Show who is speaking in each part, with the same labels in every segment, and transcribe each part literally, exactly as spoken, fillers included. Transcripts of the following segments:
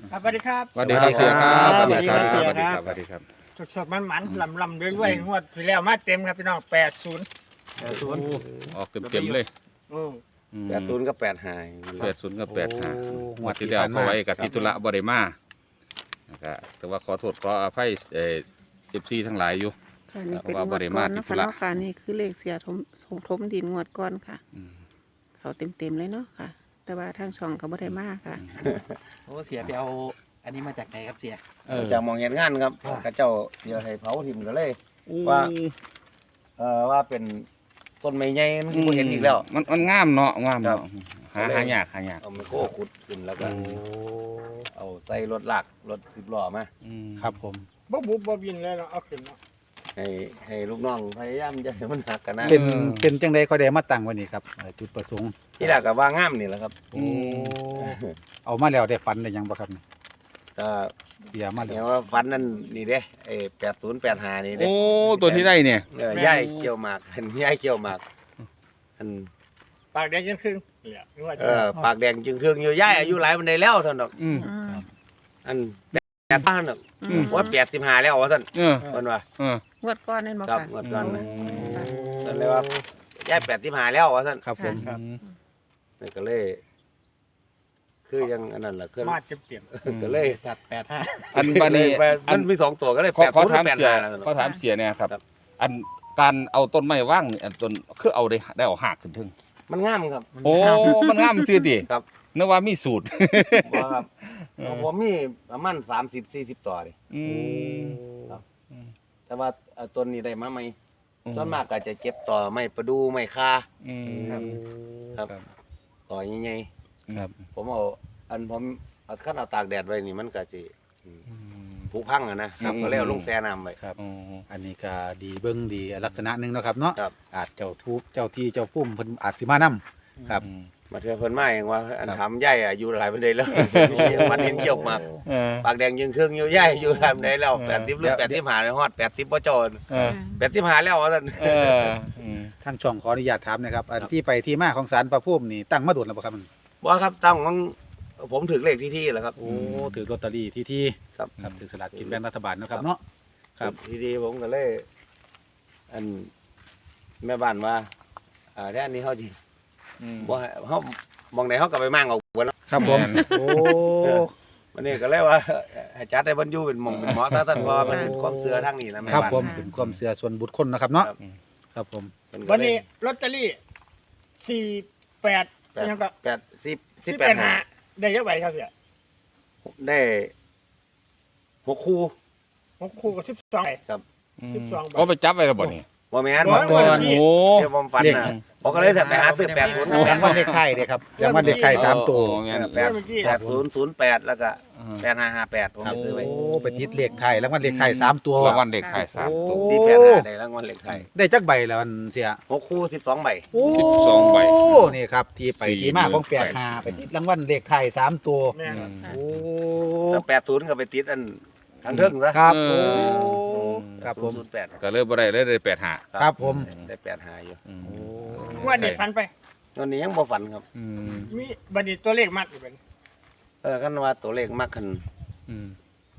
Speaker 1: ครับสวัสดีครับ
Speaker 2: สวัสดีครับเสียครับ
Speaker 1: สวัสดีครับ
Speaker 2: สวัสดีครับสวัสดีครับ
Speaker 1: สดๆมันๆลำลำๆด้วยๆงวดที่แล้วมาเต็มครับพี่น้องแปดศูนย์
Speaker 2: โอ้ออกเต็มๆเลย
Speaker 1: อืม
Speaker 3: แปดศูนย์กับแปดหาย
Speaker 2: แปดศูนย์กับแปดห้า
Speaker 4: โอ้
Speaker 2: งวดที่แล้วก็ไว้กับทิตุระบริมานะครับแต่ว่าขอโทษขออภัยเอฟซีทั้งหลายอยู่
Speaker 5: ค่ะนี่เป็น
Speaker 2: เพราะว่า
Speaker 5: ง
Speaker 2: บ่
Speaker 5: วด
Speaker 2: ได้
Speaker 5: ก่
Speaker 2: มา
Speaker 5: อน
Speaker 2: ที่
Speaker 5: นะ
Speaker 2: ธุ
Speaker 5: คะ
Speaker 2: ระ
Speaker 5: เนาะค่ะนี่คือเลขเสียทมสงทมดินงวดก่อนค่ะ
Speaker 2: อืม
Speaker 5: เขาเต็มๆเลยเนาะค่ะ แต่ว่าทางช่องก็บ่ได้มากค่ะ
Speaker 4: โอ้เสียไปเอาอันนี้มาจากไหนครับเสีย
Speaker 2: เออ
Speaker 3: จากมองเห็นงานครับข้าเจ้าเดี๋ยวให้เผาถิ่มก็เลย ว่า เอ่อว่าเป็นต้นไม้ใหญ่มันบ่เห็นอีกแล้ว
Speaker 2: มันมันงามเนาะงาม
Speaker 3: ครั
Speaker 2: เนาะ
Speaker 3: บ
Speaker 2: หาหายากหายาก
Speaker 3: เอาไมโครขุดขึ้นแล้วก็
Speaker 4: โอ้
Speaker 3: เอาใส่รถลากรถสิบล้อมา
Speaker 2: อืม
Speaker 4: ครับผม
Speaker 1: บ่บุบบ่บินเลยเนาะเอาขึ้นเนาะ
Speaker 3: ให้ให้ลูกน้องพยายามจะให้มันหักกันนะ
Speaker 4: เป็นเป็นจังไดเขาได้มาตั้งไว้นี่ครับเอ่อจุดประสงค์
Speaker 3: ที่แรกก็ว่างามนี่แหละครับ
Speaker 4: โอ้เอามาแล้วได้ฝันได้หยังบ่ครับนี่
Speaker 3: ก็
Speaker 4: เสียมาแล้
Speaker 3: เนี่
Speaker 4: วย
Speaker 3: ว่าฟันนั่นนี่เด้ไอ้แปดศูนย์แปดห้านี่เด้
Speaker 2: โอ้ตัวที่ได้เนี่ย
Speaker 3: เออย่ายเขี้ยวหมากอันย่ายเขี้ยวหมากอัน
Speaker 1: ปากแดงยังครึ่งเหลืองวด
Speaker 3: เออปากแดงจึงเครื่องอยู่ย่ายอายุหลายมันได้แล้วท่านดอก
Speaker 2: อืม
Speaker 5: อืม
Speaker 3: อันแปดห้าน่ะ
Speaker 5: อืม
Speaker 3: ว่าแปดสิบห้าแล้วว่าท่าน
Speaker 2: เออ
Speaker 3: เพิ่นว่า
Speaker 2: เออง
Speaker 5: วดก่อนนั่นบ่
Speaker 3: ครับ
Speaker 5: ค่ะ
Speaker 3: งวดก่อนนะ
Speaker 5: ค่ะ
Speaker 3: นั่นเลยว่าย่ายแปดสิบห้าแล้วว่าท่าน
Speaker 4: ครับผม
Speaker 5: ค่ะ
Speaker 3: นี่ก็เลย คือยังอันนั้นแหละคือ
Speaker 1: มาเต็ม
Speaker 3: ก็เลย
Speaker 4: จัดแปดห้า
Speaker 2: อันบันนี้
Speaker 3: เลย
Speaker 2: อั
Speaker 3: มัน นมีสองตัวก็เลย
Speaker 2: ขอ
Speaker 3: แปด
Speaker 2: ขอ
Speaker 3: ศูนย์
Speaker 2: ถาม
Speaker 3: แปด
Speaker 2: เสีย
Speaker 3: ห้าแล้ว
Speaker 2: ขอถามเสียเนี่ยครับ
Speaker 3: ครับ
Speaker 2: อันการเอาต้นไม้ว่างนี่อันต้นคือเอาได้ได้เอาหักขึ้นถึง
Speaker 3: มันงามครับ
Speaker 2: โอ้มันงามซื่อติ
Speaker 3: ครับ
Speaker 2: นึกว่ามีสูตร
Speaker 3: บ่ครับของผมมีประมาณสามสิบสี่สิบต่อดิ
Speaker 2: อืม
Speaker 3: ครับ แต่ว่าเอาต้นนี้ได้มาไหมส่วนมากก็จะเก็บต่อไม้ประดูไม้คา
Speaker 2: อืม
Speaker 3: ครับ ครับ
Speaker 4: ครับ
Speaker 3: ต่อใหญ่
Speaker 4: ครับ
Speaker 3: ๆผมเอาอันผมเอาคันเอาตากแดดไว้นี่มันก็สิอืม
Speaker 2: อืม
Speaker 3: ผุพังอะนะ
Speaker 2: ครับ
Speaker 3: ก็เลยเอาลงแช่น้ำไว้
Speaker 4: ครับ
Speaker 2: อ๋อ
Speaker 4: อันนี้ก็ดีเบิ่งดีลักษณะหนึงเนาะครับเนาะ
Speaker 3: ครับ
Speaker 4: อาจเจ้าทูบเจ้าที่เจ้าพุ่มเพิ่นอาจสิมานํครับ
Speaker 2: อืม
Speaker 3: มาเทื่อเพิ่นมาเองว่าอัน
Speaker 4: ครับ
Speaker 3: ทำใหญ่อายุหลายปานใดแล้ว มันเห็นเกี่ยวหมาก
Speaker 2: เออ
Speaker 3: ปากแดงยิงเครื่องอยู่ใหญ่อยู่หลายปานใดแล้ว
Speaker 2: เออ
Speaker 3: แปดสิบหรือแปดสิบห้าฮอดแปดสิบบ่จอ
Speaker 2: เออ
Speaker 3: แปดสิบห้าแล้วว่าซั่น
Speaker 2: เอออืม
Speaker 4: ทางช่องขออนุญาตถามนะครับอันที่ไปที่มาของศาลพระภูมินี่ตั้งมาโดนแล้วบ่ครับมัน
Speaker 3: บ่ครับตั้งของผมถึงเลขที่ที่แหละครับ
Speaker 4: โอ้ถือลอตเตอรี่ที่ที่
Speaker 3: ครับ
Speaker 4: ครับถือสลากกินแบ่งรัฐบาลเนาะครับเนาะ ครับ
Speaker 3: ที่ที่ผมก็เลย อันแม่บ้านว่าอ่าแท้อันนี้เฮาสิ
Speaker 2: อืม
Speaker 3: บ่ให้เฮามองใดเฮาก็ไปมั่งเอาเบิดเนาะ
Speaker 4: ครับผม
Speaker 2: แม่น
Speaker 4: โอ้
Speaker 3: วันนี้ก็เลยว่าให้จัดให้เพิ่นอยู่เป็นหม่องเป็นหมอถ้าท่านว่ามันเป็นความเชื่อทางนี้นะแม่
Speaker 4: ครับ
Speaker 3: บ้าน
Speaker 4: ผมเป็นความเชื่อส่วนบุคคลนะครับเนาะ
Speaker 3: ครับ
Speaker 4: ครับผม
Speaker 3: เพิ่
Speaker 1: ๆ
Speaker 3: ก็
Speaker 1: วัน
Speaker 3: เลย
Speaker 1: นี้ลอตเตอรี่สี่แปด
Speaker 3: แปด
Speaker 1: ยังก็
Speaker 3: แปดสิบสิ
Speaker 1: สิ
Speaker 3: บบ แป
Speaker 1: แป
Speaker 3: ด
Speaker 1: ด
Speaker 3: ห้า
Speaker 1: หาได้เยอะไปครับเสีย
Speaker 3: ได้หกคู่
Speaker 1: หกคู่กับสิบสองใบ
Speaker 2: อืม
Speaker 1: สิบสองใบ
Speaker 2: เอาไปจับไว้แล้วบ่นี่
Speaker 3: บ่แม่น
Speaker 1: บ่
Speaker 3: บ่
Speaker 1: แม่น
Speaker 3: ก่อน
Speaker 2: โอ้
Speaker 3: เดี๋ยวผมฝันน่ะผมก็เลยจะไปหาซื้อแปดศูนย์
Speaker 4: รางวัลเลขไข่เด้ครับรางวัลเลขไข่สามตัว
Speaker 2: โอ้งั้น
Speaker 3: แปดแปดศูนย์ศูนย์แปดแล้วก็แปดห้าห้าแปดผม
Speaker 4: ครับ
Speaker 3: ไปซื้อไว้
Speaker 4: โอ้ไปติดเลขไทยรางวัลเลขไทยสามตัว
Speaker 2: รางวัลเด็กขายสามตัว
Speaker 4: โอ้
Speaker 3: สี่แปดห้าได้รางวัลเลขไทย
Speaker 4: ได้จักใบแล้วอันเสีย
Speaker 3: หกคู่สิบสองใบ
Speaker 2: สิบสองใบ
Speaker 4: โอ้นี่ครับที่ไป
Speaker 2: สี่
Speaker 4: ที่มาของ
Speaker 2: หมื่น
Speaker 4: แปดหาไปติดรางวัลเลขไทยสามตัว
Speaker 1: แม่น
Speaker 2: อืม
Speaker 4: โอ้
Speaker 3: แล้วแปดศูนย์ก็ไปติดอันทางเทิงซะ
Speaker 4: ครับ
Speaker 2: เอ
Speaker 4: โอ้
Speaker 2: อ
Speaker 4: ครับผม
Speaker 3: ศูนย์แปด
Speaker 2: ก็เลยบ่ได้เลยได้แปดห้า
Speaker 4: ครับผม
Speaker 3: ได้แปดห้าอยู่
Speaker 2: อืม
Speaker 1: งวดนี้ฟันไป
Speaker 3: วันนี้ยังบ่ฝันครับ
Speaker 2: อืม
Speaker 1: มีบัดนี้ตัวเลขมากอยู่เป็น
Speaker 3: เออคันว่าตัวเลขมากขึ้น
Speaker 2: อืม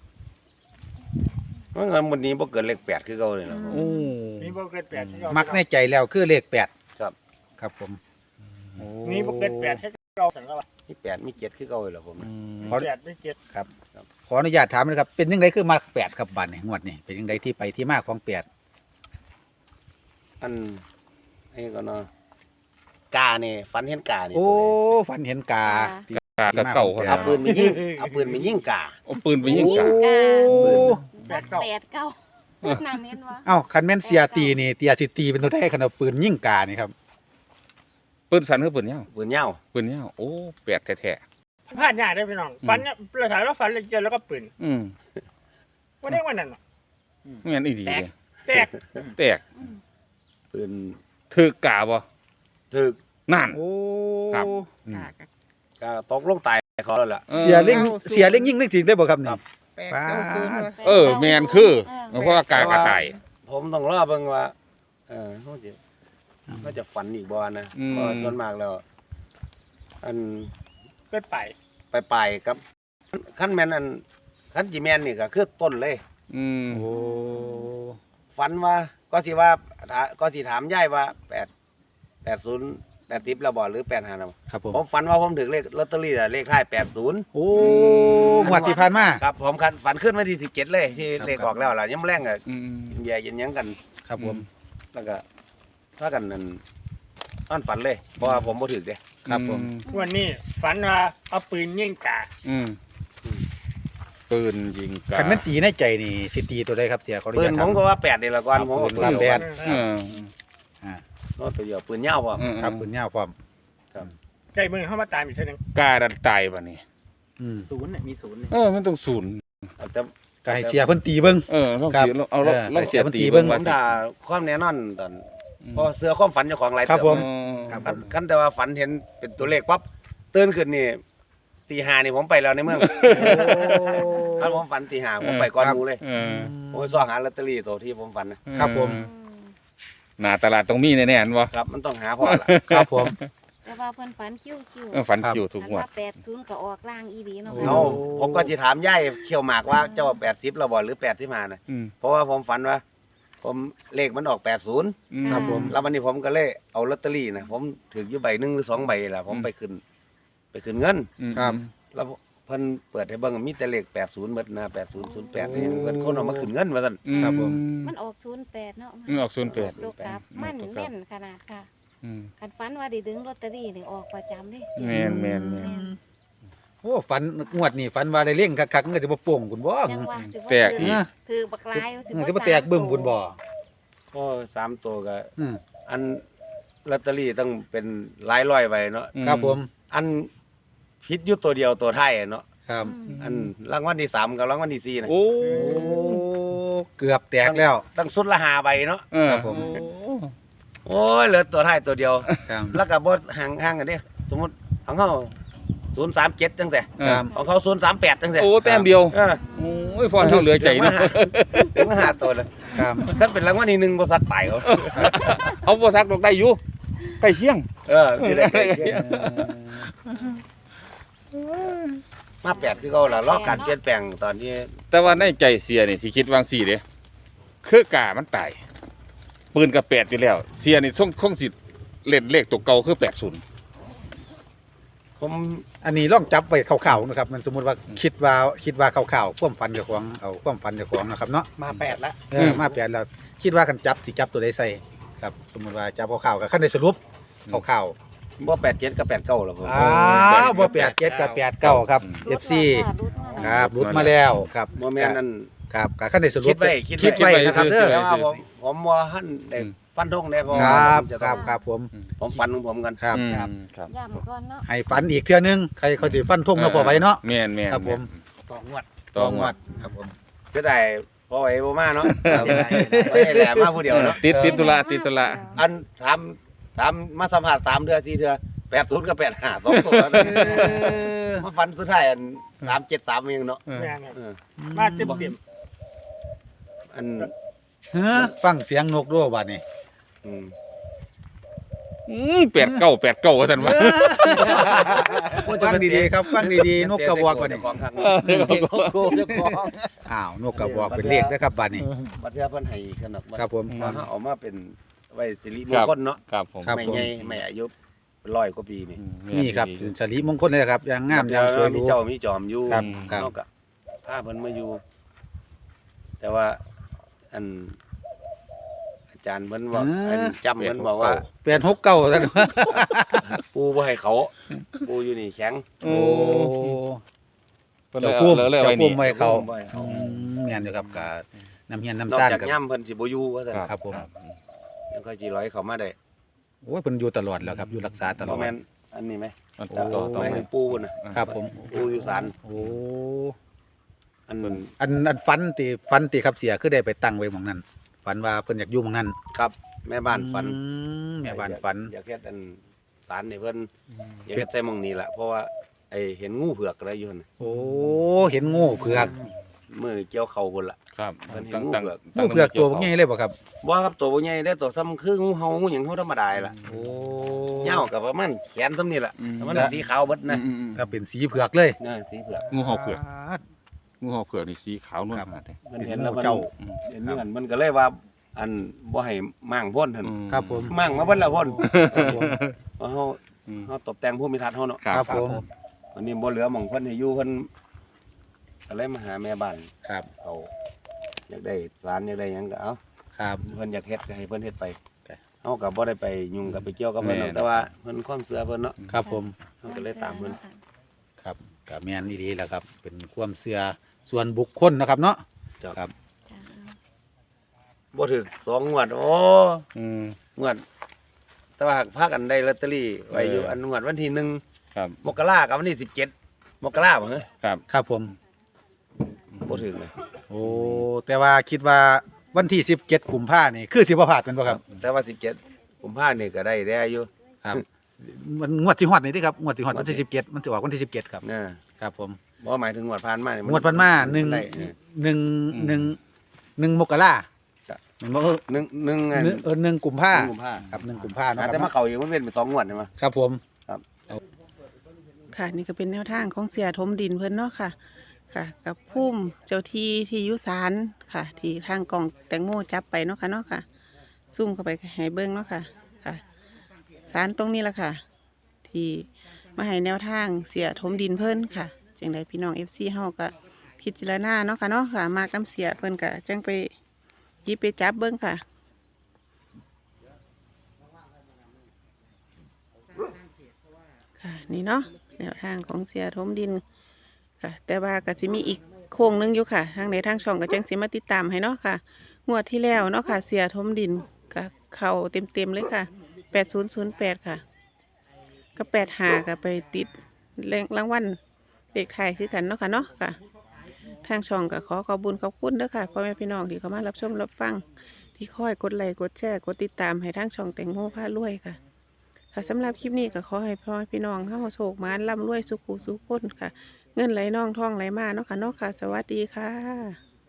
Speaker 3: มันเงินวันนี้บ่เกินเลขแปดคือเก่าเลยนะ
Speaker 2: โอ้
Speaker 1: มีบ่เกินแปดที่เรา
Speaker 4: มักในใจแล้วคือเลขแปด
Speaker 3: ครับ
Speaker 4: ครับผมโอ้
Speaker 1: มีบ่เกินแปดให้เราสังกัด
Speaker 3: มีแปดมีเจ็ดคือเก่าเลยเหรอผม
Speaker 2: อืม
Speaker 1: แปดไม่เจ็ด
Speaker 4: ครับขออนุญาตถามนะครับเป็นยังไงคือมักแปดครับบัตรนี่งวดนี่เป็นยังไงที่ไปที่มาของแปด
Speaker 3: อันไอ้ก็เนาะกาเนี่ยฝันเห็นกาเนี่ย
Speaker 4: โอ้ฝันเห็นกา
Speaker 2: กากับเก่าค
Speaker 3: เอา
Speaker 2: รับ
Speaker 3: ปืนไปยิงเอาปืนไปยิงกา
Speaker 2: เอาปืนไปยิงกา
Speaker 4: โอ้
Speaker 1: แปดเก้า
Speaker 6: แปดเก้าน้ำเห็นวะ
Speaker 4: เอ้าคันแม่นเสียตีนี่เตียสิตีเป็นตัวได้คันเอาปืนยิงกานี่ครับ
Speaker 2: ปืนสั้นคือปืนยาว
Speaker 3: ปืนยาว
Speaker 2: ปืนยาวโอ้แปดแท้
Speaker 1: พลาดยากได้พี่น้องฟันเนี่ยเราถ่ายแล้วฟันเลยเจอแล้วก็ปืน
Speaker 2: ๆอืม
Speaker 1: วันนี้วันนั้นน่ะ
Speaker 2: ไม่งั้นอีดีเลย
Speaker 1: แตก
Speaker 2: แตก
Speaker 3: ปืน
Speaker 2: ถือกาบ่
Speaker 3: ถึก
Speaker 2: นั่น
Speaker 4: โอ้
Speaker 2: ครับ อืม
Speaker 3: กาตกลงตายเขาแล้วล่ะ
Speaker 2: ออ
Speaker 4: เสียเล่งเสียเล่งยิงเล่งจริงได้บ่ครับนี่
Speaker 3: ครับ
Speaker 5: แปดเก้าศูนย์
Speaker 2: เออแมนคือเพราะว่ากากระต่าย
Speaker 3: ผมต้องรอเบิ่งว่า เออเขาจะเขาจะฝันอีกบ่นะ
Speaker 2: อืม
Speaker 3: เพราะส่วนมากแล้ว อัน
Speaker 1: ไปไป
Speaker 3: ไปไปครับขั้นแม่นอันขั้นจีแมนนี่ก็คือต้นเลย
Speaker 2: อืม
Speaker 4: โอ้
Speaker 3: ฝันว่าก็สิว่าถาก็สิถามยายว่าแปดแปดศูนย์แปดสิบแล้วบ่หรือแปดห้าแล้วบ่
Speaker 4: ครับผม
Speaker 3: ผมฝันว่าผมถึงเลขลอตเตอรี่น่ะเลขท้ายแปดศูนย์
Speaker 4: โอ้งวดที่ผ่านมา
Speaker 3: ครับผมคันฝันขึ้นวันที่สิบเจ็ดเลยที่
Speaker 4: ครับ
Speaker 3: เลขออกแล้วล่ะยังแรงอ่ะ
Speaker 2: อืม
Speaker 3: กินเบียร์กินหยังกัน
Speaker 4: ครับผม
Speaker 3: แล้วก็ถ้ากันนั่นนอนฝันเลยเพราะว่าผมบ่ถึกเด้
Speaker 4: ครับผม
Speaker 1: วันนี้ฝันว่าเอาปืนยิงกา
Speaker 2: อืมปืนยิงกา
Speaker 4: คันแม่นตีในใจนี่สิตีตัวใดครับเสียขออนุ
Speaker 3: ปื
Speaker 4: ญาน ต
Speaker 3: ผ
Speaker 4: ถาม
Speaker 3: มก็ว่าแปดนี่ละก่อนผม
Speaker 4: ปืนว่าแปด
Speaker 2: เออ
Speaker 4: อ่า
Speaker 3: โน้ตตัวเดียวปืนยาวบ่
Speaker 2: อืม
Speaker 4: ครับปืนยาวพร้อม
Speaker 1: ใจมือเข้ามาตามอีกทีหนึง
Speaker 2: กาดันตายบ่นี่
Speaker 4: อืม
Speaker 1: ศูนย์เนี่ยมีศูนย์เนี่ย
Speaker 2: เออมันต้องศูนย์
Speaker 3: แต่
Speaker 4: ก็ให้เสียเพิ่นตีเบิ่ง
Speaker 2: เออต้อง
Speaker 4: ครับ
Speaker 2: เสียเอาเรา
Speaker 4: เออ
Speaker 2: เราเสีย
Speaker 4: ให้เสียมันตี
Speaker 2: ตี
Speaker 4: เบิ่
Speaker 2: เบิ่
Speaker 4: ง
Speaker 2: ง
Speaker 3: ผมด่าความแน่นอนตอนเพราะเสือความฝันเจ้าของหลาย
Speaker 4: ครับ
Speaker 3: เติ
Speaker 4: ผม
Speaker 3: นะ
Speaker 4: ครับ
Speaker 3: คันแต่ว่าฝันเห็นเป็นตัวเลขปั๊บตื่นขึ้นนี่ตีห้านี่ผมไปแล้วในเมืองถ้าผมฝันตีห้าผมไปก่อนหมูเลย
Speaker 2: เออ
Speaker 3: ผมไปซ่อหาลอตเตอรี่ตัวที่ผมฝันนะครับ
Speaker 4: ผม
Speaker 6: อืม
Speaker 2: หน้าตลาดต้องมีแน่ๆอันบ่
Speaker 3: ครับมันต้องหาพอละ
Speaker 4: ครับผม
Speaker 6: แต่ว่าเพิ่นฝันคิ้วคิ้ว
Speaker 2: เออฝัน
Speaker 4: ครับ
Speaker 2: อยู่ทุก
Speaker 6: อัน
Speaker 2: งวด
Speaker 6: ว่าแปดศูนย์ก็ออกล่างอีดีเนาะ
Speaker 4: โอ้
Speaker 3: เอาผมก็จะถามย่ายเขียวหมากว่าเจ้าแปดสิบเราบ่หรือแปดที่มานะ
Speaker 2: อืม
Speaker 3: เพราะว่าผมฝันว่า ผมเลขมันออกแปดศูนย์
Speaker 2: อืม
Speaker 4: ครับผม
Speaker 3: แล้ววันนี้ผมก็เลยเอาลอตเตอรี่นะผมถืออยู่ใบหนึ่งหรือสองใบแหละผมไปขึ้น ไปขึ้นเงิน
Speaker 2: อืม
Speaker 4: ครับ
Speaker 3: แล้วเพิ่นเปิดให้เบิ่งมีแต่เลขแปดศูนย์หมดนะแปดศูนย์ศูนย์แปดนี่เพิ่นคนเอามาขึ้นเงินว่าซั่น
Speaker 2: อืม
Speaker 4: ครับผม
Speaker 6: มันออกศูนย์แปดเนาะ
Speaker 2: อืมออกศูนย์แปด
Speaker 6: ตัวกลับมันแม่นขนาดค่ะ
Speaker 2: อืม
Speaker 6: คันฝันว่าได้ดึงลอตเตอรี่นี่ออกประจำเด้
Speaker 2: แม่นแม่นแม่น
Speaker 4: โอ้ฝันงวดนี่ฝันว่าได้เล่งคักๆมันก็จะบ่โป่งคุณบ่
Speaker 6: ยังว่าสิบ่
Speaker 2: แตกอีก
Speaker 6: ถือบักลาย
Speaker 4: เออสิบ่แตกบึ้มคุณบ่
Speaker 3: ก็สามตัวก็
Speaker 4: อืม
Speaker 3: อันลอตเตอรี่ต้องเป็นหลายร้อยใบเนาะ
Speaker 4: ครับผม
Speaker 3: อันผิดอยู่ตัวเดียวตัวท้ายอะเนาะ
Speaker 4: ครับ
Speaker 3: อันรางวัลที่สามกับรางวัลที่สี่นะ
Speaker 2: โอ้
Speaker 4: โอ้เกือบแตกแล้ว
Speaker 3: ตั้งสุดละห้าใบเนาะ
Speaker 2: เออ
Speaker 4: ครับผม
Speaker 3: โอ้ยเหลือตัวท้ายตัวเดียว
Speaker 4: ครับ
Speaker 3: แล้วก็บ่ห่างห่างกันเด้สมมุติของเฮาศูนย์สามเจ็ดจังซี่
Speaker 2: เออ
Speaker 3: ของเขาศูนย์สามแปดจังซี่
Speaker 2: โอ้แต้มเดียว
Speaker 3: เออ
Speaker 2: โอ้ยพอเท่าเหลือใจเนาะ
Speaker 3: ถึงมาหาตัวเลย
Speaker 4: ครับ
Speaker 3: คันเป็นรางวัลที่หนึ่งบ่สักตายเขา
Speaker 2: เอาบ่ซักดอกได้อยู่ใกล้เคียง
Speaker 3: เออที่ได้ใกล้เคียงมาแปดคือเขาล่ะรอการเปลี่ยนแปลงตอนที่
Speaker 2: แต่ว่าในใจเสียนี่สิคิดวางสี่เด้คือกามันตายปืนกับแปดอยู่แล้ว เสียนี่คงคงสิเล่นเลขตัวเก่าคือแปดศูนย์
Speaker 3: ผม
Speaker 4: อันนี้ลองจับไว้คร่าวๆนะครับ มันสมมุติว่าคิดว่าคิดว่าคร่าวๆความฝันเจ้าของเอาความฝันเจ้าของนะครับเนาะ
Speaker 1: มาแปดละ
Speaker 4: เออมาเปลี่ยนแล้วคิดว่ากันจับสิจับตัวใดใส่ครับ สมมุติว่าจับคร่าวๆก็คันได้สรุปคร่าว
Speaker 3: บ่แปดเจ็ดกับแปดเก้าหรอกผม
Speaker 4: ๆอ้าวบ่แปดเจ็ดกับแปดเก้าครับ เอฟ ซี ครับรุดมาแล้วครับ
Speaker 3: บ่แม่นนั่น
Speaker 4: ครับก็คันได้สรุป
Speaker 3: คิดไว้คิดไว้
Speaker 4: คิดไว้นะครับเด้อ
Speaker 3: แต่ว่าผมผมบ่ทันได้ฟันธงได้เพราะ
Speaker 4: ค
Speaker 3: ว่า
Speaker 4: รับ
Speaker 3: ผมจะ
Speaker 4: ค
Speaker 3: ต้
Speaker 4: รั
Speaker 3: อบ ง
Speaker 4: ครับผม
Speaker 3: ผมฟันของผมกัน
Speaker 4: ครับ
Speaker 2: อืม
Speaker 4: ครับ
Speaker 2: ครับ
Speaker 6: ย่ำก่อนเนาะ
Speaker 4: ให้ฝันอีกเทื่อนึงใครเขาสิฟันธงเนาะพอไว้เนาะ
Speaker 2: แม่นแม่น
Speaker 4: ครับผม
Speaker 1: ต่องวด
Speaker 2: ต่องวด
Speaker 4: ครับผม
Speaker 3: ก็ได้พอไว้บ่มาเนาะไม่ได้แหลมมาผู้เดียวเนาะ
Speaker 2: ติดติดตุลาติดตุลา
Speaker 3: อันถามถามมาสัมภาษณ์สามเดือนสี่เดือนแปดศูนย์กับแปดห้าสองตัวแล้วมาฟันสุดท้ายอันสามเจ็ดสามเองเนาะ
Speaker 2: เออ
Speaker 1: แม่น
Speaker 3: เออ
Speaker 1: มาเต็มเต็ม
Speaker 3: อัน
Speaker 4: เฮ้อฟังเสียงนกด้วยบัดนี้
Speaker 3: อืม
Speaker 2: อืมแปดเก้าแปดเก้าว่าซั่นว่า
Speaker 4: ฟังดีๆครับฟังดีๆนกกระบอกบัดนี้
Speaker 3: ของทาง
Speaker 4: อ้าวนกกระบอกเป็นเลขนะครับบัดนี้
Speaker 3: บัดเทื่อเพิ่นให้ขนม
Speaker 4: ครับผม
Speaker 3: ว่าเฮาเอามาเป็นไว้สิริมงคลเนาะ
Speaker 2: ครับผม
Speaker 4: ครับ
Speaker 3: ไม่ใหญ่ไม่อายุร้อยกว่าปีนี่
Speaker 4: นี่ครับสรีมงคลเลยนะครับอย่างงามอย่างสวยห
Speaker 3: มี
Speaker 4: รู
Speaker 3: เจ้ามีจอมอยู่
Speaker 4: ครับครับ
Speaker 3: เฮาก็พาเพิ่นมาอยู่ แต่ว่าอัน อาจารย์เพิ่นว่าอันจำเพิ่นบอกว่า
Speaker 4: เปลี่ยนหกเก้าท่าน
Speaker 3: ปูบ่ให้เขา ปูอยู่นี่แข็ง
Speaker 2: โอ้
Speaker 4: โอ้
Speaker 2: เพิ่น
Speaker 4: เจ้า
Speaker 2: เลย
Speaker 4: พุ่ม
Speaker 2: เอาเลย
Speaker 4: เจ้า
Speaker 2: ไว้
Speaker 4: พุ่
Speaker 2: นี่
Speaker 4: มไว้เขา
Speaker 3: บ่ให้เขา
Speaker 4: อืมแม่นอยู่ครับกับน้ำเฮียน
Speaker 3: นอ
Speaker 4: น้ำ
Speaker 3: ก
Speaker 4: ซ่าน
Speaker 3: จาก
Speaker 4: กับ
Speaker 3: ย่ำเพิ่นสิบ่อยู่ว่าซั่น
Speaker 4: ครับผม
Speaker 3: ยังค่อยสิร้อยเขามาได้
Speaker 4: โอ้ยเพิ่นอยู่ตลอดแล้วครับอยู่รักษาตลอ
Speaker 3: บ่
Speaker 4: ด
Speaker 3: แม่นอันนี้ไหม
Speaker 2: มัน
Speaker 4: โอ้
Speaker 2: ต่อต่อ
Speaker 3: ไม่
Speaker 2: ไป
Speaker 3: ให้ปูพุ่นน่ะ
Speaker 4: ครับผม
Speaker 3: ปูอยู่ศาล
Speaker 4: โอ้
Speaker 3: อัน
Speaker 4: อันอันฟันติฟันติครับเสียคือได้ไปตั้งไว้หม่องนั้นฝันว่าเพิ่นอยากอยู่หม่องนั้น
Speaker 3: ครับแม่บ้านฝัน
Speaker 4: อืมแม่บ้านฝัน
Speaker 3: อยากเฮ็ดอันศาลให้เพิ่นอยากเฮ็ดใส่หม่องนี้ล่ะเพราะว่าไอ้เห็นงูเผือกอะไรอยู่นั่นน่ะ
Speaker 4: โอ้เห็นงูเผือก
Speaker 3: มือเกี่ยวเข่าบนละ
Speaker 2: ครับ
Speaker 3: เพิ่นเห็น
Speaker 2: ตั้ง
Speaker 3: งู
Speaker 2: ตั้ง
Speaker 3: เผือก
Speaker 2: ตั้
Speaker 4: งู
Speaker 2: ง
Speaker 4: เผือกตัวบ่ใหญ่เลยบ่ครับ
Speaker 3: บ่ครับตัวบ่ใหญ่ได้ตัวซ้ำคืองูเห่างูหยังเฮาธรรมดาล่ะ
Speaker 4: โอ้
Speaker 3: ยาวกับประมาณแขนซ้ำนี่ล่ะแต่มันสีขาวเบิดนะ
Speaker 2: อืมอืม
Speaker 4: ก็เป็นสีเผือกเลย
Speaker 3: นะสีเผือก
Speaker 2: งูเห่าเผือกงูเห่าเผือกนี่สีขาวนวล
Speaker 4: ครับ
Speaker 2: มากเลย
Speaker 3: มันเห็นแล้วมัน
Speaker 4: เจ้า
Speaker 3: เห็นเหมือนมันก็เลยว่า อันบ่ให้มั่งพ่นหั่น
Speaker 2: อืม
Speaker 4: ครับผม
Speaker 3: มั่งมาเบิดแล้วพ่น
Speaker 4: ครับผม
Speaker 3: เพราะเฮา
Speaker 2: อืม
Speaker 3: เฮาตบแต่งภูมิทัศน์เฮาเนาะ
Speaker 2: ครับ
Speaker 4: ครับผม
Speaker 3: วันนี้บ่เหลือหม่องเพิ่นให้อยู่เพิ่นก็เลยมาหาแม่บ้าน
Speaker 4: ครับ
Speaker 3: เขาอยากได้สารอยากได้หยังก็เอา
Speaker 4: ครับ
Speaker 3: เพิ่นอยากเฮ็ดก็ให้เพิ่นเฮ็ดไป
Speaker 4: ครับ
Speaker 3: เฮาก็บ่ได้ไปยุ่งกับไปเกี่ยวกับเพิ่นหรอกแต่ว่าเพิ่นความเชื่อเพิ่นเนาะ
Speaker 4: ครับผม
Speaker 3: เฮาก็เลยตามเพิ่น
Speaker 4: ครับก็แม่นดีๆแหล้วครับ เป็นความเชื่อส่วนบุคคลนะครับเนาะ
Speaker 3: จ้ะ
Speaker 4: ครับ
Speaker 3: บ่ถึกสองงวดโอ้
Speaker 2: อืม
Speaker 3: งวด แต่ว่าหากพากันได้ลอตเตอรี่ไว้อยู่
Speaker 2: เอออั
Speaker 3: อันงวดวันที่หนึ่ง
Speaker 2: ครับ
Speaker 3: มกรากับวันที่สิบเจ็ดมกราบ่ฮะ
Speaker 2: ครับ
Speaker 4: ครับผม
Speaker 3: บ่ถึงเลย
Speaker 4: โอ้แต่ว่าคิดว่าวันที่สิบเจ็ดกุมภานี่คือสิบ่พลาดเป็นบ่ครับ
Speaker 3: แต่ว่าสิบเจ็ดกุมภาพันธ์นี่ก็ได้ได้อยู่
Speaker 4: ครับมันงวดที่ฮอดนี่เด้ครับงวดที่ฮอดวันที่สิบเจ็ดมันจะออกวันที่สิบเจ็ดครับ
Speaker 3: นะครับ
Speaker 4: ผม
Speaker 3: บ่หมายถึงงวดผ่านมานี่
Speaker 4: งวดพันมาหนึ่ง
Speaker 3: ได้เออ
Speaker 4: หนึ่งหนึ่งหนึ่งมกรา
Speaker 3: จ้ะ
Speaker 4: เห็นบ่เออ
Speaker 3: หนึ่งหนึ่งอัน
Speaker 4: หนึ่งเออหนึ่งกุมภา
Speaker 3: หนึ่งกุมภา
Speaker 4: ครับหนึ่งกุมภาเนาะค
Speaker 3: แต่
Speaker 4: รับ
Speaker 3: มาเข้าอีกมันเป็นไปสองงวดใช่มั้ย
Speaker 4: ครับผม
Speaker 5: ค่ะนี่ก็เป็นแนวทางของเสียทมดินเพิ่นเนาะค่ะ ค่ะ กับพุ่มเจ้าที่ที่อยุสานค่ะ ที่ทางกล่องแตงโมจับไปเนาะค่ะเนาะค่ะ ซุ่มเข้าไปให้เบิ้งเนาะค่ะ ค่ะสารตรงนี้แหละค่ะ ที่มาให้แนวทางเสียทมดินเพิ่นค่ะจังใดพี่น้องเอฟซีเฮาก็พิจารณาเนาะค่ะเนาะค่ะ มากน้ำเสียเพิ่นก็จังไปหยิบไปจับเบิ้งค่ะ ค่ะนี่เนาะแนวทางของเสียทมดินค่ะ แต่ว่าก็สิมีอีกโค้งหนึงอยู่ค่ะ ทางในทางช่องก็จังสิมาติดตามให้เนาะค่ะ งวดที่แล้วเนาะค่ะ เสียทมดินก็เข้าเต็มๆเลยค่ะแปดศูนย์ศูนย์แปดค่ะ ก็แปดหาก็ไปติดเลขรางวัลเลขไทายคือกันเนาะค่ะเนาะค่ะ ทางช่องก็ขอขอบคุญขอบคุณเด้อค่ะพ่อแม่พี่น้องที่เข้ามารับชมรับฟังที่คอยกดไลค์กดแชร์กดติดตามให้ทางช่องแตงโมพารวยค่ะ ค่ะสำหรับคลิปนี้ก็ขอให้พ่อแม่พี่น้องเข้าโชคมานร่ำรวยสุขุสุขคนค่ะ เงินไหลน่องท่องไหลมาเนาะค่ะเนาะค่ะ สวัสดีค่ะ